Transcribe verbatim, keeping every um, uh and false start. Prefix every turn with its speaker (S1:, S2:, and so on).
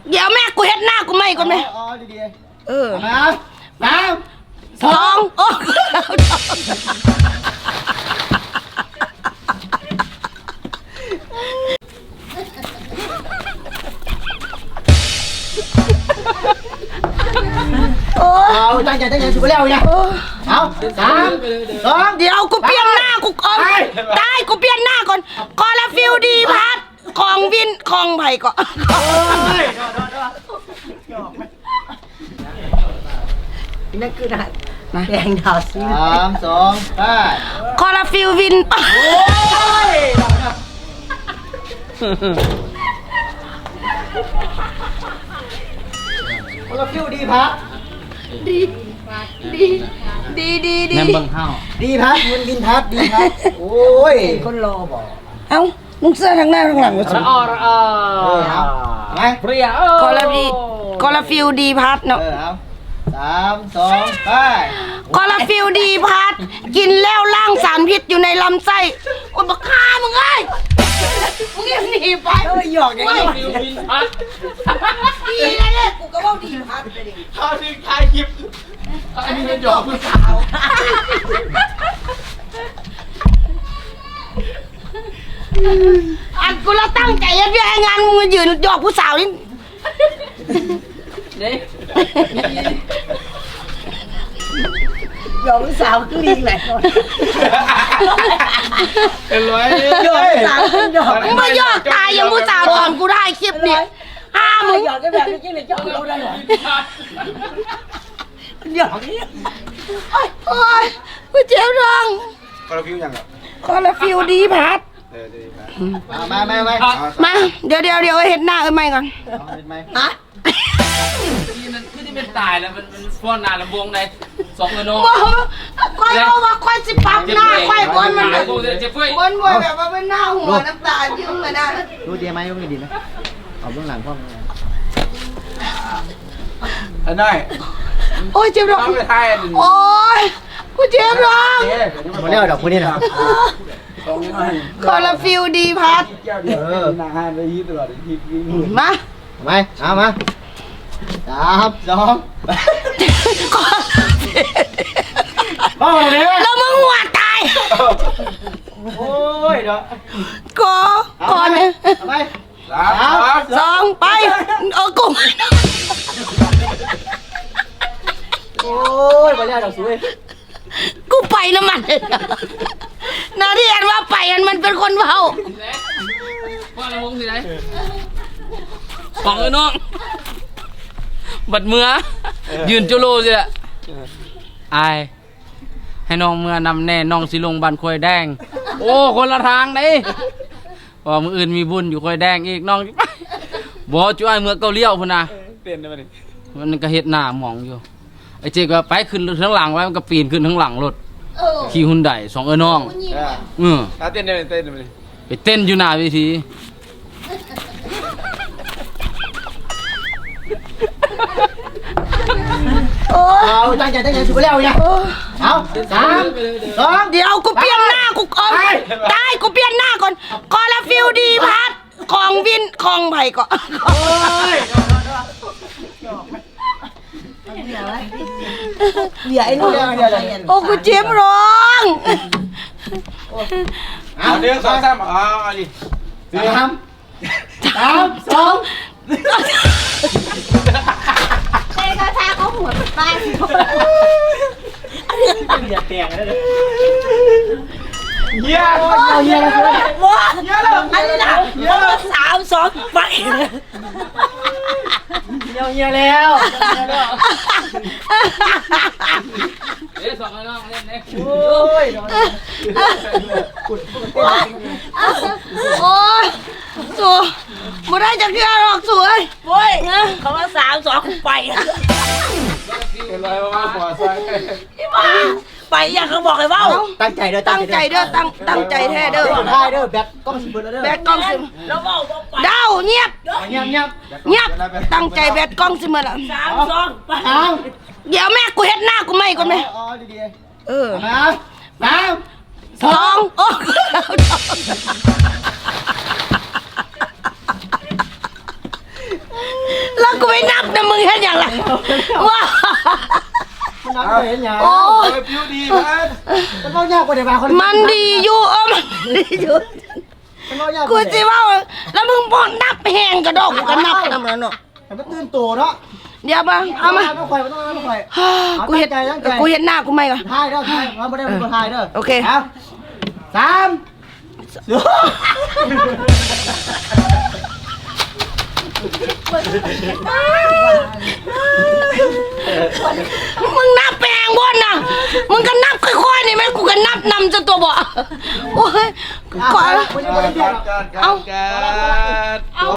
S1: เดี๋ยวแม่กูเฮ็ดหน้ากูไม่ก่อนไหม
S2: อ๋อดี
S1: ๆเออ
S2: มาสาม
S1: สองโอ้
S2: เอาตั้งใจตั้งใจสุดแล้วเนี่ยเอาสามสอง
S1: เดี๋ยวกูเปลี่ยนหน้ากูก่อนได้กูเปลี่ยนหน้าก่อนคอลาฟิลดีพัดของวินของไผ่ก่อน
S2: นั่นคือหน้าแดงดาวซีสามสองไป
S1: คอลาฟิลวินโอ้ย
S2: คอลาฟิลดีพัด
S1: ดีดีดีดีดี
S3: แนมบังเฮา
S2: ดีพัดมันบินพัดดีพัดโอ้ยคนรอบอก
S1: เอ้ามึงเสื้อทั้งหน้าทั้งหลังวะสิ
S3: ระออระออ
S2: ไป
S3: เปรี้ยว
S1: คอลาฟิคอลาฟิลดีพัดเนาะ
S2: สามสองไป
S1: คอลาฟิลดีพัดกินแล้วล้างสารพิษอยู่ในลำไส้โอ้ยบักฆ่ามึงไงมึงยังหนีไป
S2: เอ้ยหยอกอย่างนี้
S3: ฟิวบินพัด
S1: ดีนะเนี่ยกูก็ว่าดีพัดไปดิ
S3: เขาดึงถ่ายคลิปอันนี้เป็นหยอกผู้สาว
S1: อันกูเราตั้งใจยัดเยียดงานมึงมายืนหยอกผู้สาวนี่
S3: นี่
S2: หยอกผู้สาวคือดีแหละ
S3: เป็นร้อย
S2: หยอกผู้สาวหยอก
S1: มึงมาหยอกตายอย่างผู้สาวตอนกูได้คลิปเนี่ยห้ามึง
S2: หยอกกันแบบนี้จริงเลยหยอกเราได้หรอหยอกนี่
S1: โอ้ยกูเจ็บท้อง
S3: คอลาฟิวยังอ่ะ
S1: คอลาฟิลดีพัด
S2: มามามา
S1: มาเดี๋ยวเดี๋ยวเดี๋ยวเห็นหน้าเอ้ยไม่ก่อน
S2: ฮะ
S3: ที่มันคือที่เป็นตายแล้วมันมันฟ้อนหน้าลำวงในสองเลยโน่
S1: ค่อยเอาว่าค่อยสิปักหน้าค่อยบนมันบนบนแบบว่าเป็นหน้าหัวน้ำตาจิ้มมาได้
S2: รู้ดีไหมรู้ดีไหมเอาเบื้องหลังพ่อ
S3: อันไหน
S1: โอ้ยเจ็บท้องโอ้ยกูเจ็บท้อง
S2: มาเรียกดอกคนนี้นะ
S1: คอลาฟิลดีพัด
S2: เออ
S3: นาฮานไปยี่ตลอดที
S1: มา
S2: ไปเอามาสามสองพ่อเนี่ย
S1: แล้วมึงหัวตาย
S2: โอ้ยเดี๋ยว
S1: ก็ก่อนเนี่ย
S2: ไป
S3: สาม
S1: สองไปเออกุ้ง
S2: โอ้ยมาเรียกดอกสวย
S1: กูไปน้ำมันนาที่อันว่าไปอันมันเป็นคนเบา
S3: ว่าละวงสิไหนของเอ้น้องบัดเมื่อยืนจุโลสิแหละอายให้น้องเมื่อนำแน่น้องสิลงบันควยแดงโอ้คนละทางไหนว่ามืออื่นมีบุญอยู่ควยแดงอีกน้องบ่ช่วยเมื่อเกาเลี้ยวพุ่นนะเปลี่ยนได้ไหมมันก็เฮ็ดหน้าหมองอยู่ไอ้เจ๊ก็ไปขึ้นทั้งหลังไว้มันก็ปีนขึ้นทั้งหลังรถขี่หุ่นไดสองเอ้น้องเออเต้นได้เต้นได้ไปเต้นอยู่หน้าเวที
S2: เอาตั้งใจตั้งใจสุดแล้วเนี่ยเอาสามสอง
S1: เดี๋ยวกูเปลี่ยนหน้ากูก่อนได้กูเปลี่ยนหน้าก่อนคอลาฟิลดีพัดของวินของไผ่ก่อน
S2: เดี๋ยวไอ้นู่น
S1: โอ้กูเจ็บร้อง
S3: เอาเดี๋ยวสองสามอ๋อดิ
S2: สามสามสอง
S1: เต้ก็ท่าเขาหัวตาย
S2: อย่าแตกเลย
S3: เยี่ยม
S2: เยี่ยมเลย
S1: ว้าอันนี้นะสามสองไป
S2: เยี่ยมเยี่ยมแล้ว
S3: เอ๊ะสองน้องเล่นเอ๊ะ
S2: โอ้ย
S1: โอ้ยสูไม่ได้จะเชื่อหรอกสวยโว้ยเขาว่าสามสองไป
S3: เป็นไรวะหัวใส่
S1: ไปอย่างเขาบอกเลยว่า
S2: ตั้งใจเด้อ
S1: ตั้งใจเด้อตั้งตั้งใจแท้เด้อ
S2: ได้เด้อแบกกล้องสิบเด้อ
S1: แบกกล้องสิแล้วว่าเดาเงียบ
S2: เงียบเงียบ
S1: เงียบตั้งใจแบกกล้องสิมาละสามสองไปเดี๋ยวแม่กูเฮ็ดหน้ากูไม่ก่อนไหม
S2: อ๋อดี
S1: ๆเออ
S2: สามส
S1: องโอ้ลกูไม่นับนะมึงเห็นอย่างไรว้า
S2: มันนับเห็นยัง
S1: โอ้
S4: ผิวดีพัด
S2: มันเล่ายากกว่าเดี๋ยวมาคน
S1: มันดีอยู่เออมันดีอยู่
S2: มันเล่ายาก
S1: กูสิว่าแล้วมึงพอนับแหงกระดอกกูก็นับนำแล้วเนาะ
S2: แต่มันตื่นตัวเนาะ
S1: เดี๋ยวมาเอามา
S2: ไม่ค่อยไม่ต้องไม่ค่อย
S1: กูเห็นกูเห็นหน้ากูไหมก่อน
S2: ถ่ายเด้อถ่ายเราไม่ได้เป็นคนถ่ายเด้อ
S1: โอเค
S2: เอาสามสอง
S1: มึงนับแปลงบนน่ะมึงก็นับค่อยๆนี่แม่กูก็นับนำจนตัวบ่โอ้ยก่อน
S2: ไม่ได้ไม่ได้เดียว
S4: การการการ